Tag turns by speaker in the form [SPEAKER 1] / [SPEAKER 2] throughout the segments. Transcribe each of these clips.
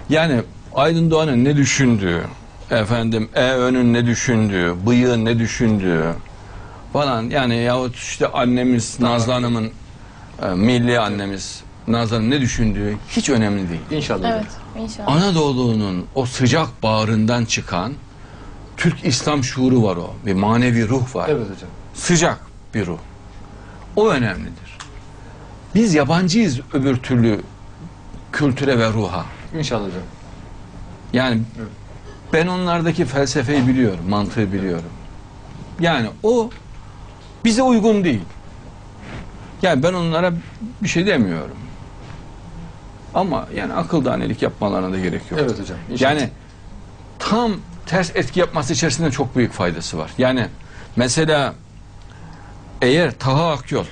[SPEAKER 1] Yani Aydın Doğan'ın ne düşündüğü, efendim EÖ'nün ne düşündüğü, bıyığın ne düşündüğü falan, yani yahut işte annemiz Nazlı Hanım'ın, milli annemiz Nazlı Hanım ne düşündüğü hiç önemli değil.
[SPEAKER 2] İnşallah.
[SPEAKER 3] Evet, inşallah.
[SPEAKER 1] Anadolu'nun o sıcak bağrından çıkan Türk İslam şuuru var o. Bir manevi ruh var.
[SPEAKER 2] Evet hocam.
[SPEAKER 1] Sıcak bir ruh. O önemlidir. Biz yabancıyız öbür türlü kültüre ve ruha.
[SPEAKER 2] İnşallah hocam.
[SPEAKER 1] Yani
[SPEAKER 2] evet.
[SPEAKER 1] Ben onlardaki felsefeyi biliyorum, mantığı biliyorum. Yani o bize uygun değil. Yani ben onlara bir şey demiyorum. Ama yani akıl danelik yapmalarına da gerek yok.
[SPEAKER 2] Evet hocam. İnşallah.
[SPEAKER 1] Yani tam ters etki yapması içerisinde çok büyük faydası var. Yani mesela eğer Taha Akyol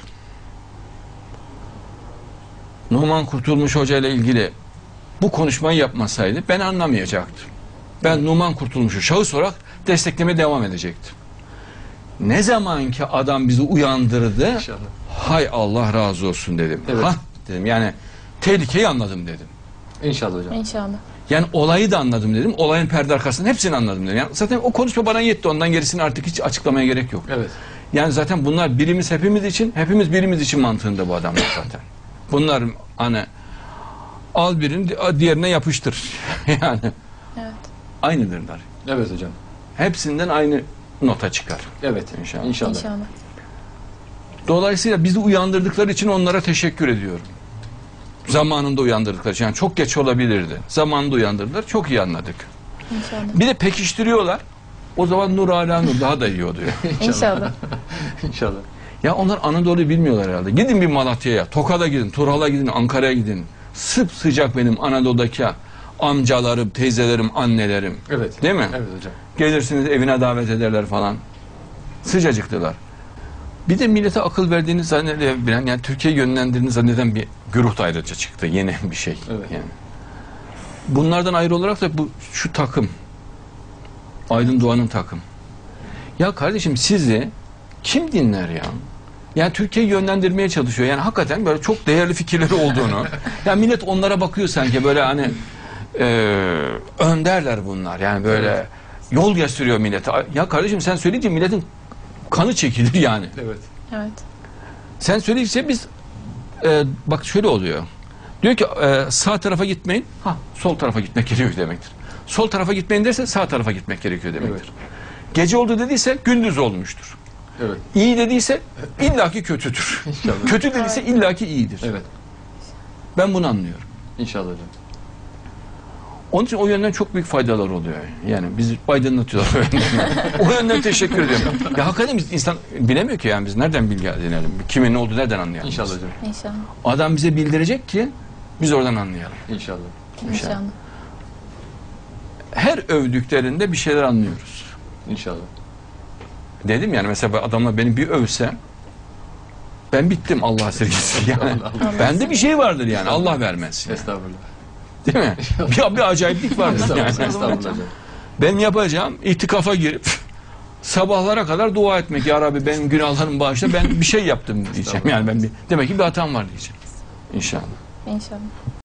[SPEAKER 1] Numan Kurtulmuş Hoca ile ilgili bu konuşmayı yapmasaydı ben anlamayacaktım. Ben Numan Kurtulmuş'u şahıs olarak desteklemeye devam edecektim. Ne zaman ki adam bizi uyandırdı,
[SPEAKER 2] İnşallah.
[SPEAKER 1] hay Allah razı olsun dedim.
[SPEAKER 2] Evet.
[SPEAKER 1] Ha dedim, yani tehlikeyi anladım dedim.
[SPEAKER 2] İnşallah hocam.
[SPEAKER 3] İnşallah.
[SPEAKER 1] Yani olayı da anladım dedim. Olayın perde arkasının hepsini anladım dedim. Yani zaten o konuşma bana yetti. Ondan gerisini artık hiç açıklamaya gerek yok.
[SPEAKER 2] Evet.
[SPEAKER 1] Yani zaten bunlar birimiz hepimiz için, hepimiz birimiz için mantığında bu adamlar zaten. Bunlar hani al birini diğerine yapıştır. Yani
[SPEAKER 3] Evet.
[SPEAKER 1] aynıdırlar.
[SPEAKER 2] Evet hocam.
[SPEAKER 1] Hepsinden aynı nota çıkar.
[SPEAKER 2] Evet.
[SPEAKER 1] İnşallah.
[SPEAKER 2] İnşallah.
[SPEAKER 3] İnşallah.
[SPEAKER 1] Dolayısıyla bizi uyandırdıkları için onlara teşekkür ediyorum. Zamanında uyandırdıkları için. Yani çok geç olabilirdi. Zamanında uyandırdılar. Çok iyi anladık.
[SPEAKER 3] İnşallah.
[SPEAKER 1] Bir de pekiştiriyorlar. O zaman nur ala nur daha da iyi oluyor.
[SPEAKER 3] İnşallah.
[SPEAKER 2] İnşallah.
[SPEAKER 1] Ya onlar Anadolu'yu bilmiyorlar herhalde. Gidin bir Malatya'ya, Tokat'a gidin, Turhal'a gidin, Ankara'ya gidin. Sıcak benim Anadolu'daki amcalarım, teyzelerim, annelerim.
[SPEAKER 2] Evet.
[SPEAKER 1] Değil mi?
[SPEAKER 2] Evet hocam.
[SPEAKER 1] Gelirsiniz evine davet ederler falan. Sıcacıktılar. Bir de millete akıl verdiğini zannedebilen, yani Türkiye'yi yönlendirdiğini zanneden bir güruh da ayrıca çıktı. Yeni bir şey.
[SPEAKER 2] Evet.
[SPEAKER 1] Yani. Bunlardan ayrı olarak da şu takım, Aydın Doğan'ın takım. Ya kardeşim sizi kim dinler ya? Yani Türkiye'yi yönlendirmeye çalışıyor. Yani hakikaten böyle çok değerli fikirleri olduğunu. Yani millet onlara bakıyor sanki böyle hani önderler bunlar. Yani böyle yol gösteriyor millete. Ya kardeşim sen söyleyince milletin kanı çekilir yani.
[SPEAKER 2] Evet.
[SPEAKER 3] Evet.
[SPEAKER 1] Sen söyleyince biz bak şöyle oluyor. Diyor ki sağ tarafa gitmeyin. Ha, sol tarafa gitmek gerekiyor demektir. Sol tarafa gitmeyin derse sağ tarafa gitmek gerekiyor demektir.
[SPEAKER 2] Evet.
[SPEAKER 1] Gece oldu dediyse gündüz olmuştur.
[SPEAKER 2] Evet.
[SPEAKER 1] İyi dediyse illaki kötüdür.
[SPEAKER 2] İnşallah.
[SPEAKER 1] Kötü dediyse illaki iyidir.
[SPEAKER 2] Evet.
[SPEAKER 1] Ben bunu anlıyorum.
[SPEAKER 2] İnşallah hocam.
[SPEAKER 1] Onun için o yönden çok büyük faydalar oluyor. Yani bizi aydınlatıyorlar o yönden. O yönden teşekkür ediyorum. Ya hakikaten biz insan bilemiyor ki yani biz nereden bilgi edinelim? Kimin ne olduğu nereden anlayalım?
[SPEAKER 2] İnşallah
[SPEAKER 1] biz?
[SPEAKER 2] hocam.
[SPEAKER 3] İnşallah.
[SPEAKER 1] Adam bize bildirecek ki biz oradan anlayalım.
[SPEAKER 2] İnşallah.
[SPEAKER 3] İnşallah.
[SPEAKER 1] Her övdüklerinde bir şeyler anlıyoruz.
[SPEAKER 2] İnşallah.
[SPEAKER 1] Dedim yani mesela adamla beni bir övse ben bittim Allah esirgesin yani. Bende bir şey vardır yani Allah vermesin. Yani.
[SPEAKER 2] Estağfurullah.
[SPEAKER 1] Değil mi? Bir acayiplik vardır yani.
[SPEAKER 2] Estağfurullah hocam.
[SPEAKER 1] Benim yapacağım itikafa girip sabahlara kadar dua etmek. Ya Rabbi benim günahlarımı bağışla, ben bir şey yaptım diyeceğim. Yani ben demek ki bir hatam var diyeceğim. İnşallah.
[SPEAKER 3] İnşallah.